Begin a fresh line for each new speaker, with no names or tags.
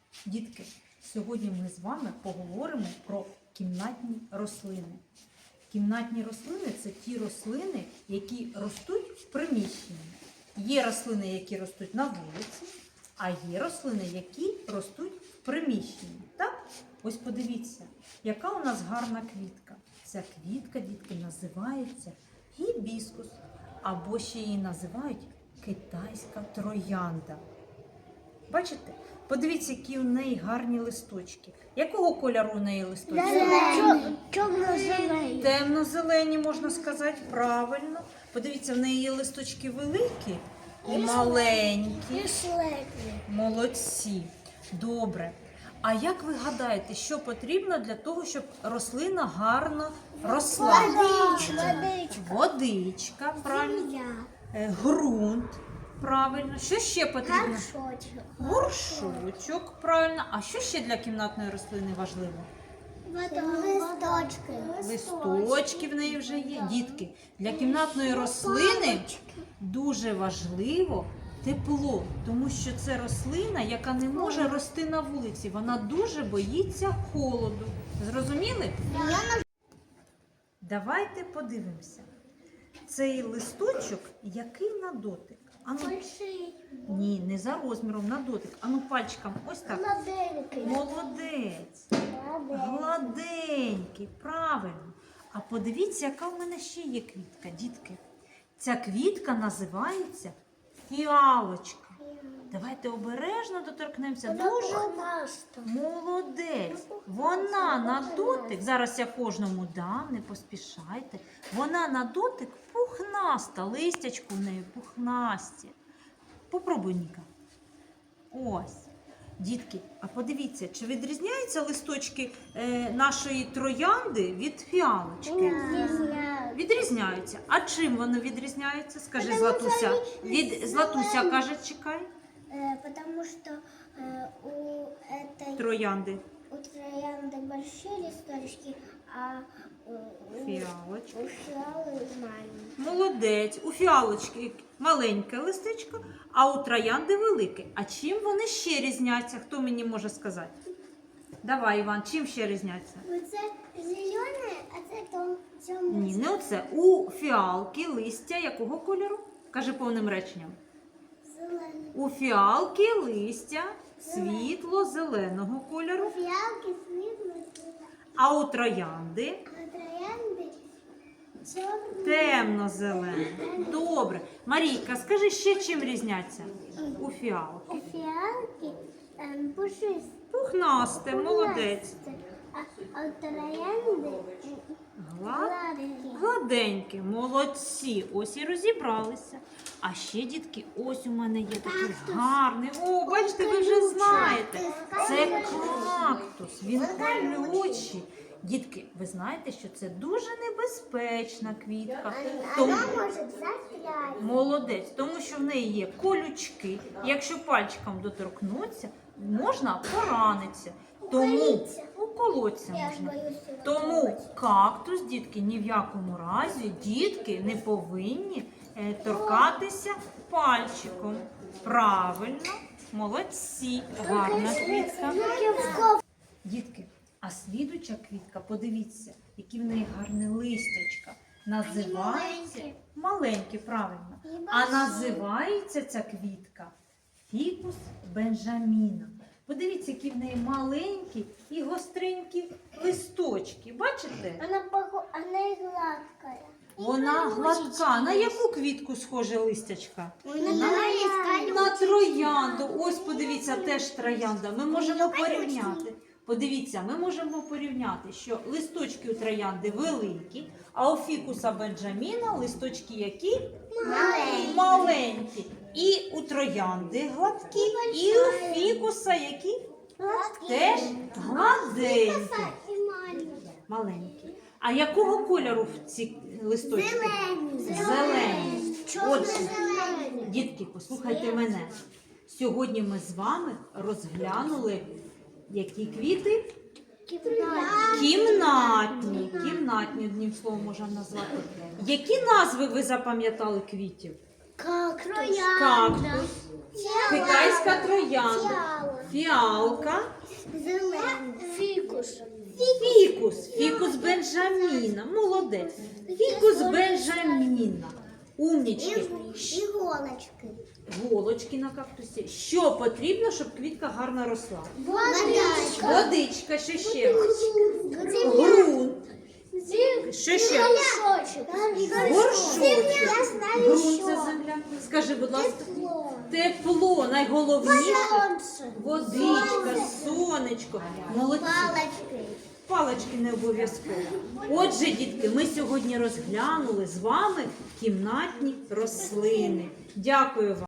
Дітки, сьогодні ми з вами поговоримо про кімнатні рослини. Кімнатні рослини – це ті рослини, які ростуть в приміщенні. Є рослини, які ростуть на вулиці, а є рослини, які ростуть в приміщенні. Так? Ось подивіться, яка у нас гарна квітка. Ця квітка, дітки, називається гібіскус, або ще її називають китайська троянда. Бачите? Подивіться, які у неї гарні листочки. Якого кольору у неї листочки?
Темно-зелені.
Темно-зелені, можна сказати, правильно. Подивіться, в неї є листочки великі і маленькі. Молодці. Добре. А як ви гадаєте, що потрібно для того, щоб рослина гарно росла? Водичка, правильно. Ґрунт, правильно. Що ще потрібно? Горшочок, правильно. А що ще для кімнатної рослини важливо? Листочки в неї вже є. Дітки, для кімнатної рослини дуже важливо тепло, тому що це рослина, яка не може рости на вулиці. Вона дуже боїться холоду. Зрозуміли? Давайте подивимося. Цей листочок, який на дотик? Ану, ні, не за розміром, на дотик. Ану пальчиком, ось так. Молодець. Гладенький, правильно. А подивіться, яка в мене ще є квітка, дітки. Ця квітка називається фіалочка. Давайте обережно доторкнемося. Дуже молодець. Вона на дотик, зараз я кожному дам, не поспішайте. Вона на дотик пухнаста, листячку в неї пухнасті. Попробуй, Ніка. Ось. Дітки, а подивіться, чи відрізняються листочки нашої троянди від фіалочки? Відрізняються. А чим вони відрізняються? Скажи, Златуся. Златуся каже, чекай.
Потому что у
Троянди.
троянды большие листочки, а у
Фіалочки.
фиалы маленькие.
Молодець. У фіалочки маленьке листечко, а у троянди велике. А чим вони ще різняться? Хто мені може сказати? Давай, Іван, чим ще різняться?
Оце зелене, а це темне.
Ні, не оце. У фіалки листя якого кольору? Кажи повним реченням.
Зелене.
У фіалки листя світло-зеленого кольору,
Фіалки світло,
а у троянди
а троянди чорні.
темно-зелене. Добре. Марійка, скажи ще чим різняться? У фіалки.
У фіалки пушисті.
Пухнасте, молодець.
А у троянди гладкі.
Гладенькі, молодці. Ось і розібралися. А ще, дітки, ось у мене є такий гарний. О, бачите, ви вже знаєте. Це кактус. Він колючий. Дітки, ви знаєте, що це дуже небезпечна квітка. Тому...
Вона може застряти.
Молодець, тому що в неї є колючки. Якщо пальчиком доторкнуться, можна поранитися. Тому уколоться можна. Тому кактус, дітки, ні в якому разі дітки не повинні торкатися пальчиком. Правильно, молодці, гарна квітка. Дітки, а слідуча квітка, подивіться, які в неї гарні листячка. Називається маленькі, правильно. А називається ця квітка фікус бенджаміна. Подивіться, які в неї маленькі і гостренькі листочки. Бачите?
Вона гладка.
Вона гладка. На яку квітку схоже листячка?
На
На троянду. Ось, подивіться, теж троянда. Ми можемо порівняти. Подивіться, ми можемо порівняти, що листочки у троянди великі, а у фікуса бенджаміна листочки які? Маленькі. І у троянди гладкі, і у фікуса які? Теж гладенькі. Маленькі. А якого кольору ці листочки? Зелені. Отже, дітки, послухайте мене. Сьогодні ми з вами розглянули, які квіти? Кімнатні. Кімнатні, одним словом можна назвати. Які назви ви запам'ятали квітів?
Кактус.
Кактус, Китайська троянда. Фіалка.
Зелений. Фікус.
Фікус Бенджаміна. Молодець. Фікус Бенджаміна. Умнічки.
Іголочки.
Голочки на кактусі. Що потрібно, щоб квітка гарно росла?
Водичка.
Водичка, що ще? Грунт. Що ще? Горшочок.
Я знаю,
Грунт це земля. Скажи, будь ласка. Тепло. Найголовніше. Водичка, сонечко. Молодці.
Палочки.
Палички не обов'язково. Отже, дітки, ми сьогодні розглянули з вами кімнатні рослини. Дякую вам.